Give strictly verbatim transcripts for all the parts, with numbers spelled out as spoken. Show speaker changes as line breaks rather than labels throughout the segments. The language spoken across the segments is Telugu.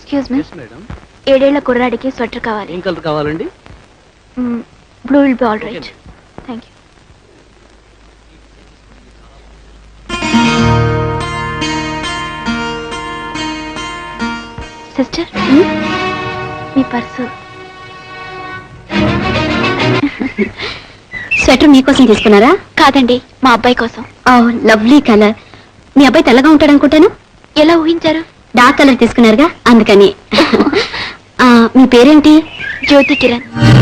ఎక్స్క్యూజ్ మీ ఏడేళ్ల కుర్రాడికి స్వెటర్ కావాలి.
ఏం కలర్ కావాలండి?
Blue will be all right. Thank you. Sister, మీ పర్సు.
స్వెటర్ మీకోసం తీసుకున్నారా?
కాదండి, మా అబ్బాయి కోసం.
Oh lovely colour. మీ అబ్బాయి తెల్లగా ఉంటాడు అనుకుంటాను.
ఎలా ఊహించారు?
డార్క్ కలర్ తీసుకున్నారుగా అందుకని. మీ పేరేంటి?
జ్యోతి కిరణ్.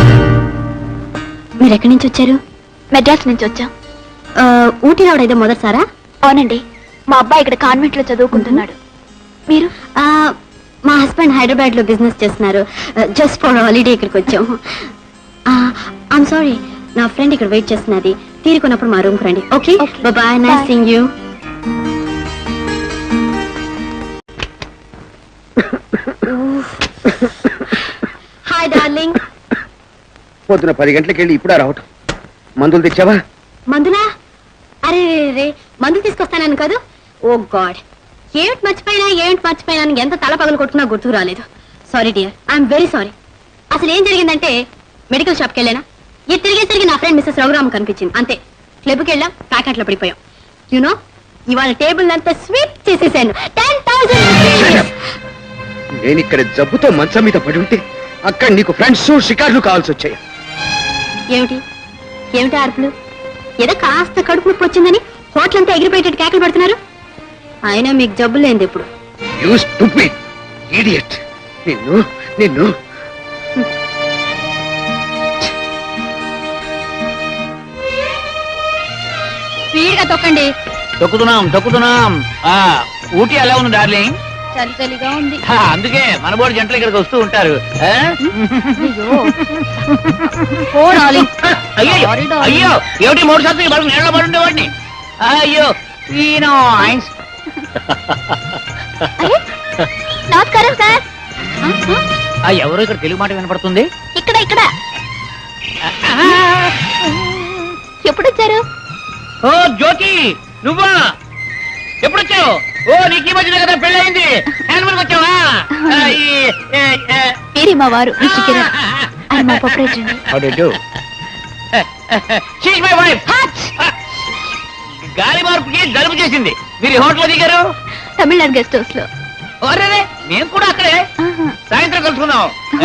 మీరు ఎక్కడి నుంచి వచ్చారు?
మెడ్రాస్ నుంచి వచ్చాం.
ఊటీ రావడం ఏదో మొదటిసారా?
అవునండి, మా అబ్బాయి ఇక్కడ కాన్వెంట్ లో చదువుకుంటున్నాడు. మీరు?
మా హస్బెండ్ హైదరాబాద్ లో బిజినెస్ చేస్తున్నారు. జస్ట్ ఫర్ హాలిడే ఇక్కడికి వచ్చాం. ఐఎమ్ సారీ, నా ఫ్రెండ్ ఇక్కడ వెయిట్ చేస్తున్నది. తీరుకున్నప్పుడు మా రూమ్ కు రండి. Okay, bye. Nice seeing you. Hi darling.
పొద్దున పది గంటలకు వెళ్ళి ఇప్పుడా రావటం? మందులు తెచ్చావా?
మందులా? అరే రే, మందులు తీసుకొస్తానని కాదు. ఓ గాడ్, ఏమిటి మర్చిపోయినా ఏమిటి మర్చిపోయినా ఎంత తల పగలు కొట్టుకున్నా గుర్తుకు రాలేదు. Sorry dear, I'm very sorry. అసలు ఏం జరిగిందంటే మెడికల్ షాప్కి వెళ్ళానా, ఇది తిరిగేసరికి నా ఫ్రెండ్ మిస్సెస్ రఘురామ్ కనిపించింది. అంతే, క్లబ్కి వెళ్ళాం, ప్యాకెట్లో పడిపోయాం. యూనో, ఇవాళ టేబుల్ అంతా స్వీప్ చేసేసాను. Ten thousand.
నేను ఇక్కడ జబ్బుతో మంచం మీద పడి ఉంటే అక్కడ నీకు ఫ్రెండ్స్ షికార్లు కావాల్సి వచ్చాయి.
ఏమిటి ఏమిటి అరుపులు? ఏదో కాస్త కడుపు నొప్పి వచ్చిందని హోటల్ అంతా ఎగిరిపోయేటట్టు కేకలు పెడుతున్నారు. అయినా మీకు జబ్బు లేనిది ఇప్పుడు.
You stupid idiot. నిన్ను నిన్ను
స్పీడ్ గా తొక్కండి.
తొక్కుతున్నాం తొక్కుతున్నాం. ఊటీ ఎలా ఉంది డార్లింగ్?
చలి చలిగా ఉంది.
అందుకే మన బోర్డు జంటలు ఇక్కడికి వస్తూ ఉంటారు. అయ్యో, ఏమిటి మూడు శాతం బలం నీళ్ళలో పడి ఉండేవాడిని. అయ్యో,
నమస్కారం సార్.
ఎవరు ఇక్కడ తెలుగు మాట వినపడుతుంది?
ఇక్కడ ఇక్కడ. ఎప్పుడు వచ్చారు?
ఓ జ్యోతి, నువ్వా? ఎప్పుడు వచ్చావు? ఓ, నీకు ఈ మధ్యన కదా పెళ్ళయింది. వచ్చావా?
మీరే మా వారు కిరణ్. ఆయన మా ప్రొపరేటర్.
గాలి మార్పుకి జలుబు చేసింది. మీరు హోటల్ దిగారు?
తమిళనాడు గెస్ట్ హౌస్ లో.
అరే, మేము కూడా అక్కడే. సాయంత్రం కలుసుకుందాం.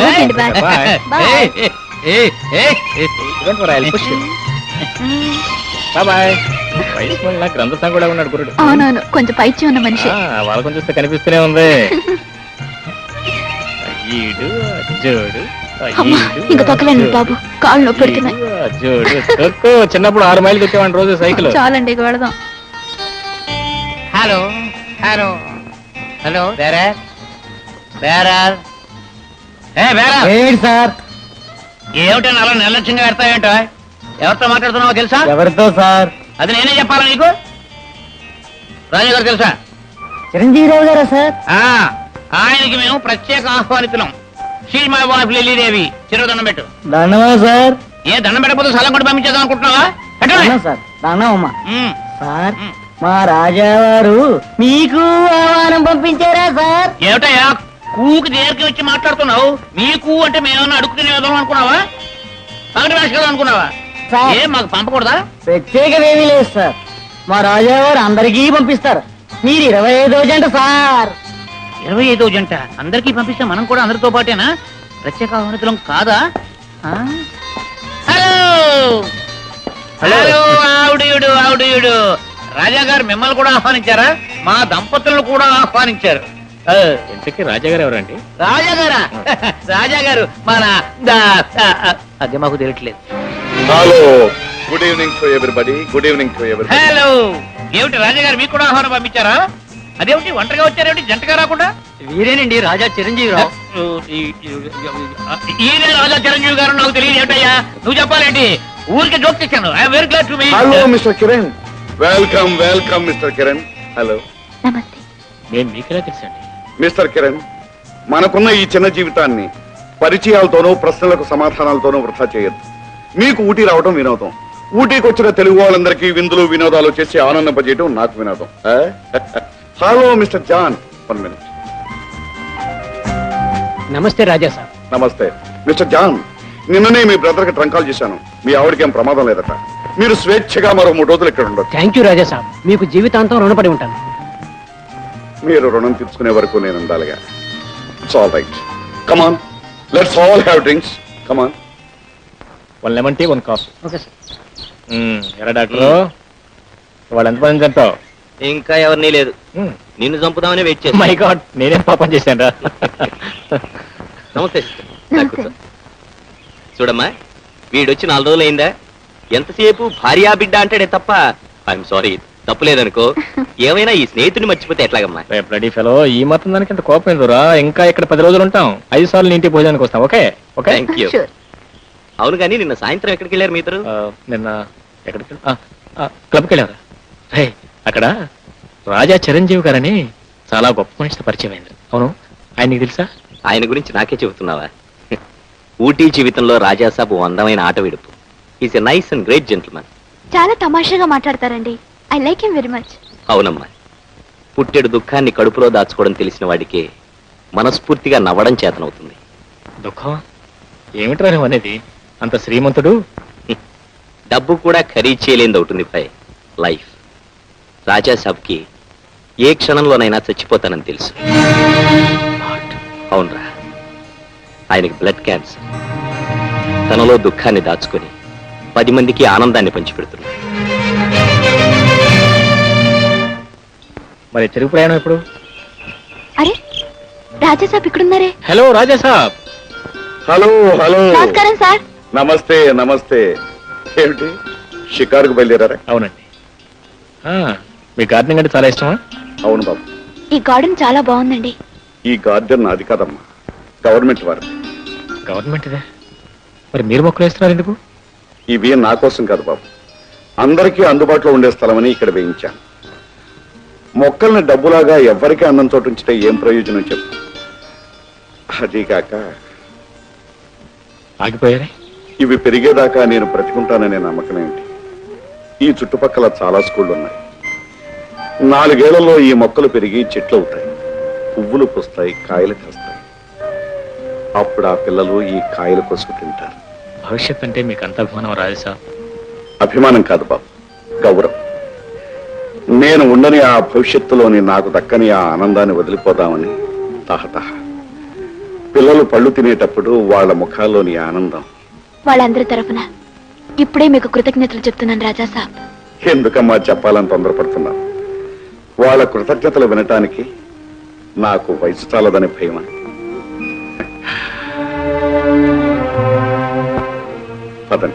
కూడా ఉన్నాడు గురుడు.
అవునవును, కొంచెం పైచి ఉన్న మనిషి.
వాళ్ళకొని చూస్తే కనిపిస్తూనే ఉంది. అయ్యడు అజ్జోడు
ఇంకా తొక్కలేండి బాబు, కాళ్ళు నొప్పి పెడుతున్నాయి.
అజ్జోడు చిన్నప్పుడు ఆరు మైలు తెచ్చేవాడి రోజు సైకిల్.
చాలండి, ఇక వెళదాం.
Hello hello hello bearer bearer
sir.
ఏమిటో అలా నిర్లక్ష్యంగా పెడతావేంటో? ఎవరితో మాట్లాడుతున్నావో తెలుసా?
ఎవరితో సార్?
అది నేనే చెప్పాలా నీకు? రాజా గారు తెలుసా?
చిరంజీవిరావు గారా సార్?
ఆయనకి మేము ప్రత్యేక ఆహ్వానితున్నాం. She my wife Lilidevi. చిరు దండం పెట్టు.
దండమా సార్?
ఏ దండం పెట్టకపోతే సలం కూడా పంపించేద్దాం అనుకుంటున్నావా?
సార్ దండమమ్మా. సార్, మా రాజావారు మీకు ఆహ్వానం పంపించారా సార్?
ఏమిటయ్యా కూకి దగ్గరికి వచ్చి మాట్లాడుతున్నావు? మీకు అంటే మేమన్నా అడుగుతున్న విధానం అనుకున్నావా? పగటి భాష కదా అనుకున్నావా? ఏం మాకు పంపకూడదా?
ప్రత్యేకమేమీ లేదు సార్, మా రాజావారు అందరికీ పంపిస్తారు. మీరు ఇరవై ఐదో జంట సార్.
ఇరవై ఐదో జంట అందరికీ పంపిస్తే మనం కూడా అందరితో పాటేనా? ప్రత్యేక ఆహ్వానితులం కాదా? Hello hello ఆవుడియుడు ఆవుడియుడు. రాజా గారు మిమ్మల్ని కూడా ఆహ్వానించారా? మా దంపతులను కూడా ఆహ్వానించారు.
ఇంతకీ రాజాగారు ఎవరండి?
రాజాగారా? రాజాగారు మన అదే మాకు తెలియట్లేదు.
Hello, good evening to everybody. Good evening to everybody.
Hello, ఏమిటి రాజాగారు మీకు కూడా ఆహ్వానం పంపించారా? అదేమిటి ఒంటరిగా వచ్చారేమిటి, జంటగా రాకుండా?
వీరేనండి రాజా చిరంజీవిరావు.
ఈయన రాజా చిరంజీవి గారు. నాకు తెలియదు ఏమిటయ్యా, నువ్వు చెప్పాలేంటి? ఊరికి జోక్ చేశాను. I'm very glad to meet.
Hello mister Kiran. Welcome welcome mister Kiran. Hello.
నమస్తే.
మేము మీకెలా తెలుసండి?
మిస్టర్ కిరణ్, మనకున్న ఈ చిన్న జీవితాన్ని పరిచయాలతోనూ ప్రశ్నలకు సమాధానాలతోనూ వృధా చేయొద్దు. మీకు ఊటీ రావడం వినోదం. ఊటీకి వచ్చిన తెలుగు వాళ్ళందరికీ విందులు వినోదాలు చేసి ఆనందింపజేయడం నాకు వినోదం. Hello mister John, one minute.
నమస్తే రాజా సార్.
నమస్తే మిస్టర్ జాన్. నిన్ననే మీ బ్రదర్ కి ట్రంక్ కాల్ చేశాను. మీ ఆవిడకి ఏం ప్రమాదం లేదట. మీరు స్వేచ్ఛగా మరో మూడు రోజులు ఇక్కడ ఉండొచ్చు.
థ్యాంక్ యూ రాజా సాబ్, మీకు జీవితాంతం రుణపడి ఉంటాను.
మీరు రుణం తీర్చుకునే వరకు నేను ఉండాలిగా. It's all right. Come on, let's all have drinks. Come on.
One lemon tea, one coffee. Okay sir. ఎరా డాక్టర్, వాళ్ళు ఎంతమంది చంపావు?
ఇంకా ఎవరినీ లేదు. నిన్ను చంపుదామని వెయిట్ చేస్తా.
మై గాడ్, నేనేం పాపం చేశాను రా.
నమస్తే sister. రా కూర్చో. చూడమ్మా, వీడొచ్చి నాలుగు రోజులు అయిందా? ఎంతసేపు భార్యా బిడ్డ అంటాడే తప్ప ఐఎమ్ సారీ తప్పు లేదనుకో. ఏమైనా ఈ స్నేహితుడిని మర్చిపోతే ఎట్లాగమ్మా?
బ్లడీ ఫెలో, ఈ మాత్రం దానికి ఎంత కోపం ఎందురా? ఇంకా ఇక్కడ పది రోజులు ఉంటాం. ఐదు సార్లు నీ ఇంటికి భోజనానికి వస్తాం. Okay okay.
Thank you. అవును కానీ నిన్న సాయంత్రం ఎక్కడికి వెళ్ళారు మీ ఇద్దరు?
నిన్న ఎక్కడికి క్లబ్కి వెళ్ళారా? రే, అక్కడ రాజా చిరంజీవి గారని చాలా గొప్ప మనిషితో పరిచయం అయింది. అవును, ఆయన నీకు తెలుసా?
ఆయన గురించి నాకే చెబుతున్నావా? ఊటీ జీవితంలో రాజాసాబు అందమైన ఆట విడుపు. Is a nice and great gentleman.
చాలా తమాషాగా మాట్లాడతారండి. I like him very much.
అవునమ్మా, పుట్టెడు దుఃఖాన్ని కడుపులో దాచుకోవడం తెలిసిన వాడికి మనస్ఫూర్తిగా నవ్వడం చేతనవుతుంది.
దుఃఖం ఏమిట్రా నువ్వు అనేది? అంత శ్రీమంతుడు.
డబ్బు కూడా ఖరీదు చేయలేనిది అవుతుంది పై లైఫ్. రాజాసాబ్కి ఏ క్షణంలోనైనా చచ్చిపోతానని తెలుసు. అవునరా, ఆయనకి బ్లడ్ క్యాన్సర్. తనలో దుఃఖాన్ని దాచుకొని పది మందికి ఆనందాన్ని పంచిపెడుతున్నాడు.
మరి తిరుగు ప్రయాణం ఎప్పుడు?
అరే, రాజా సాబ్ ఇక్కడున్నారే.
Hello Raja Saab.
Hello hello.
నమస్కారం సార్.
నమస్తే నమస్తే. ఏమిటి షికారుకు బయలుదేరారా?
అవునండి. ఆ, మీ గార్డెనింగ్ అంటే చాలా ఇష్టమా?
అవును బాబు.
ఈ గార్డెన్ చాలా బాగుందండి.
ఈ గార్డెన్ నాది కాదమ్మా, గవర్నమెంట్ వారిది.
గవర్నమెంట్ ఇదే. మరి మీరు మొక్కలు వేస్తున్నారు ఎందుకు?
ఇవి నా కోసం కాదు బాబు, అందరికీ అందుబాటులో ఉండే స్థలమని ఇక్కడ వేయించాను. మొక్కల్ని డబ్బులాగా ఎవరికీ అన్నం చోటు ఉంచితే ఏం ప్రయోజనం చెప్పు. అదీగాక
ఆగిపోయారే.
ఇవి పెరిగేదాకా నేను బ్రతికుంటాననే నమ్మకం ఏంటి? ఈ చుట్టుపక్కల చాలా స్కూళ్ళు ఉన్నాయి. నాలుగేళ్లలో ఈ మొక్కలు పెరిగి చెట్లు అవుతాయి, పువ్వులు పూస్తాయి, కాయలు కాస్తాయి. అప్పుడు ఆ పిల్లలు ఈ కాయలు కోసుకు తింటారు.
భవిష్యత్ అంటే మీకు అంత అభిమానం రాజా సాబ్?
అభిమానం కాదు బాబు, గౌరవం. నేను ఉండని ఆ భవిష్యత్తులోని నాకు దక్కని ఆ ఆనందాన్ని వదిలిపోదామని తహతహ. పిల్లలు పళ్ళు తినేటప్పుడు వాళ్ళ ముఖాల్లోని ఆనందం.
వాళ్ళందరి తరఫున ఇప్పుడే మీకు కృతజ్ఞతలు చెప్తున్నాను రాజా సాబ్.
ఎందుకమ్మా చెప్పాలని తొందరపడుతున్నా? వాళ్ళ కృతజ్ఞతలు వినటానికి నాకు వయసు చాలదని భయమా? పదండి.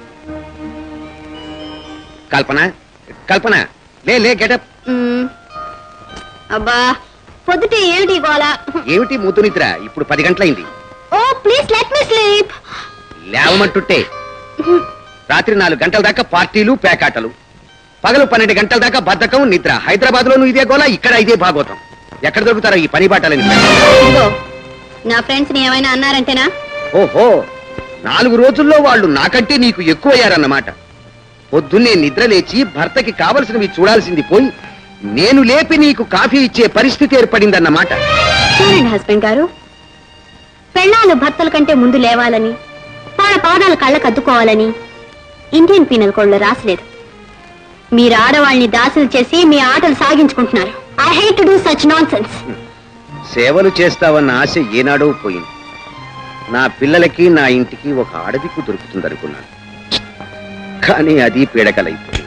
కల్పన, కల్పన, లే లే గెటప్.
మ్మ్. అబ్బా, పొద్దుటే ఏమిటి గోల?
ఏమిటి ముద్దు నిద్ర? ఇప్పుడు పది గంటలైంది.
Oh please let me sleep.
లేవమంటుంటే రాత్రి నాలుగు గంటల దాకా పార్టీలు పేకాటలు, పగలు పన్నెండు గంటల దాకా బద్ధకం నిద్ర. హైదరాబాద్ లోను ఇదే గోల, ఇక్కడ ఇదే భాగవతం. ఎక్కడ దొరుకుతారో ఈ పని బాటలని?
ఇదిగో, నా ఫ్రెండ్స్ ని ఏమైనా అన్నారంటేనా?
ఓహో, నాలుగు రోజుల్లో వాళ్ళు నాకంటే నీకు ఎక్కువయ్యారన్నమాట. పొద్దున్నే నిద్ర లేచి భర్తకి కావలసినవి చూడాల్సింది పోయి నేను లేపి నీకు కాఫీ ఇచ్చే పరిస్థితి ఏర్పడిందన్నమాట.
చూడండి హస్బెండ్ గారు, పెళ్ళాలు భర్తల కంటే ముందు లేవాలని, వాళ్ళ పాదాలు కళ్ళకు అద్దుకోవాలని ఇండియన్ పీనల్ కోడ్లో రాసలేదు. మీరు ఆడవాళ్ళని దాసులు చేసి మీ ఆటలు సాగించుకుంటున్నారు. I hate to do such nonsense.
సేవలు చేస్తావన్న ఆశ ఏనాడో పోయింది. నా పిల్లలకి నా ఇంటికి ఒక ఆడదిక్కు దొరుకుతుందనుకున్నాను, కానీ అది పీడకలైపోయింది.